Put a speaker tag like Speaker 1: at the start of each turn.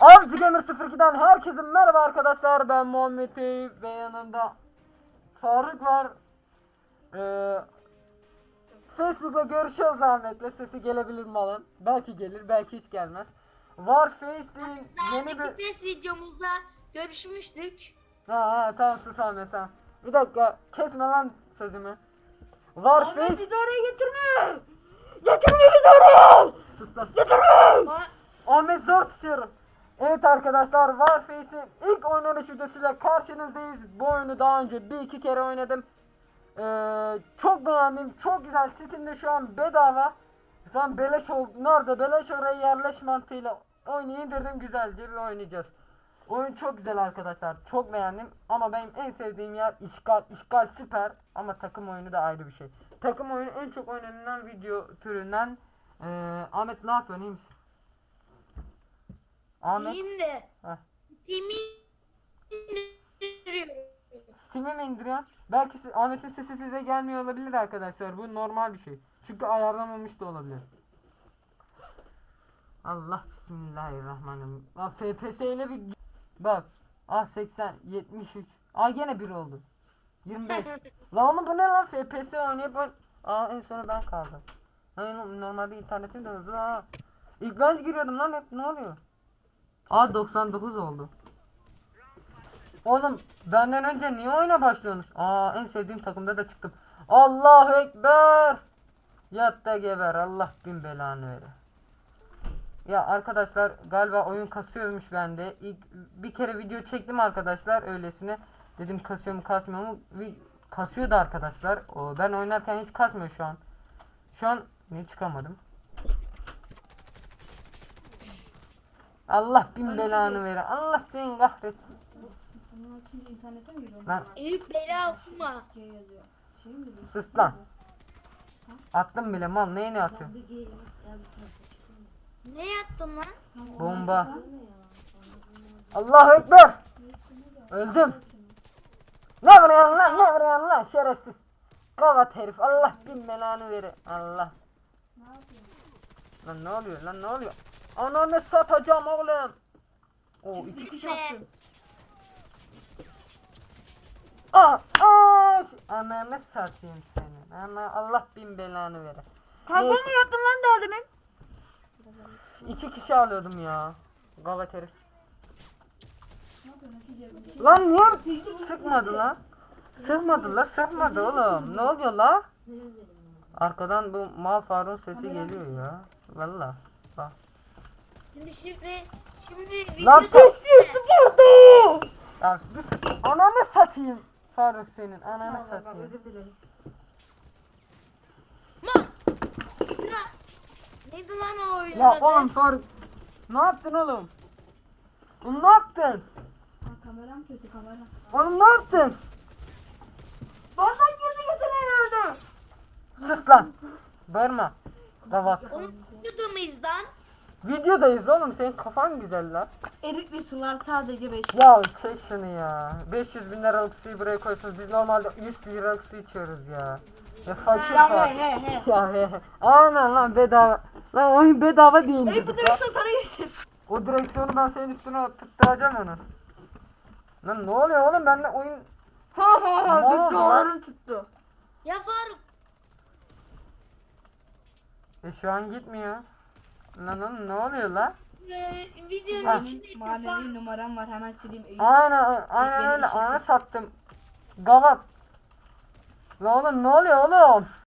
Speaker 1: Avcı Gamer 02'den herkese merhaba arkadaşlar, ben Muhammed Eyüp ve yanımda Faruk var. Facebook'la görüşüyoruz Ahmet'le, sesi gelebilir mi alın? Belki gelir, belki hiç gelmez. Warface'in yeni bir...
Speaker 2: PES videomuzda görüşmüştük.
Speaker 1: Tamam sus Ahmet, tamam. Bir dakika, kesme lan sözümü. Warface...
Speaker 3: Ahmet bizi oraya getirme!
Speaker 1: Getirme bizi oraya! Sus lan.
Speaker 2: Ba-
Speaker 1: Ahmet zor tutuyorum. Evet arkadaşlar, Warface'in ilk oynanış videosuyla karşınızdayız. Bu oyunu daha önce bir iki kere oynadım. Çok beğendim, çok güzel. Steam'de şu an bedava. Şu an beleş oldu. Nerede beleş oraya yerleş mantığıyla oyunu indirdim, güzelce bir oynayacağız. Oyun çok güzel arkadaşlar, çok beğendim. Ama benim en sevdiğim yer işgal. İşgal süper ama takım oyunu da ayrı bir şey. Takım oyunu en çok oynanan video türünden. Ahmet ne yapıyorsun, iyi misin? Ahmet.
Speaker 2: İyiyim de.
Speaker 1: Heh.
Speaker 2: Timi indiriyorum.
Speaker 1: Steam'e mi indiriyorsun? Belki Ahmet'in sesi size gelmiyor olabilir arkadaşlar. Bu normal bir şey. Çünkü ayarlamamış da olabilir. Allah bismillahirrahmanirrahim. FPS ile bir bak. 80 73. Gene 1 oldu. 25. La oğlum bu ne lan, FPS oynayıp en sona ben kaldım. Normalde internetim de hızlı ha. İlk ben giriyordum lan hep, ne oluyor? 99 oldu. Oğlum benden önce niye oyuna başlıyorsunuz? En sevdiğim takımda da çıktım. Allahu Ekber. Yat da geber, Allah bin belanı vere. Ya arkadaşlar galiba oyun kasıyormuş bende. İlk bir kere video çektim arkadaşlar öylesine. Dedim kasıyor mu kasmıyor mu? Kasıyordu arkadaşlar. Ben oynarken hiç kasmıyor şu an. Şu an ne çıkamadım. Allah bin belanı vere. Allah seni kahretsin.
Speaker 3: Bunun için internete mi giriyorum?
Speaker 1: Lan
Speaker 2: Eyüp bela okuma.
Speaker 3: G yazıyor. Şey mi diyor?
Speaker 1: sus lan. Attım bile mal, neyini atıyor?
Speaker 2: Ne yaptın lan?
Speaker 1: Bomba. Allahu Ekber. Öldüm. Ne vuruyorsun lan, ne vuruyorsun lan şerefsiz. Kavat herif, Allah bin belanı vere. Allah. Lan ne oluyor lan, ne oluyor? Ananı satacağım oğlum. İki kişi attı. Ananı satayım seni. Allah bin belanı vere.
Speaker 3: Kavga mı
Speaker 1: Neyse.
Speaker 3: yaptın lan daha demin?
Speaker 1: 2 kişi alıyordum ya. Gavat herif.
Speaker 3: Ne yapıyorsun? Hatice?
Speaker 1: Lan niye sıkmadı lan? Sıkmadı oğlum. Ne oluyor la? Arkadan bu mal Faruk'un sesi geliyor ya. Valla. Bak.
Speaker 2: Şimdi
Speaker 1: Lan
Speaker 2: video
Speaker 1: vurdu. Ya bir sus. Ananı satayım. Faruk senin ananı satayım.
Speaker 3: Özür dilerim.
Speaker 2: neydi lan o oyunun
Speaker 1: Ya
Speaker 2: adı?
Speaker 1: oğlum Faruk. Ne yaptın oğlum? Oğlum ne yaptın?
Speaker 3: Kameram kötü kamera.
Speaker 1: Oğlum ne yaptın?
Speaker 3: Bardak girdi yeteneği nerede?
Speaker 1: Sus lan. Bağırma. Gavat.
Speaker 2: Onu video muyuz lan?
Speaker 1: Videodayız oğlum, senin kafan güzel lan.
Speaker 3: Erikli sular sadece 5.
Speaker 1: Ya çek şunu ya. 500 bin liralık suyu buraya koysunuz. Biz normalde 100 liralık su içiyoruz ya. Ya fakir
Speaker 3: Ya
Speaker 1: var.
Speaker 3: he.
Speaker 1: Ya he. Aynen lan, bedava. Lan oyun bedava değil
Speaker 3: Ey bu
Speaker 1: dedik lan.
Speaker 3: direksiyon sana girsin.
Speaker 1: O direksiyonu ben senin üstüne tutturacağım onu. Lan ne oluyor oğlum, benimle oyun...
Speaker 3: Ha
Speaker 1: Ne oldu lan?
Speaker 3: dolarım tuttu.
Speaker 2: Ya Faruk.
Speaker 1: Şu an gitmiyor. Lan oğlum ne oluyor lan?
Speaker 2: Videonun
Speaker 1: Ha.
Speaker 2: içinde ilk defa
Speaker 3: Manevi numaram var hemen sileyim.
Speaker 1: Aynen
Speaker 3: Beni
Speaker 1: öyle,
Speaker 3: işe
Speaker 1: ana
Speaker 3: çek.
Speaker 1: sattım. Gavat. Lan oğlum ne oluyor oğlum?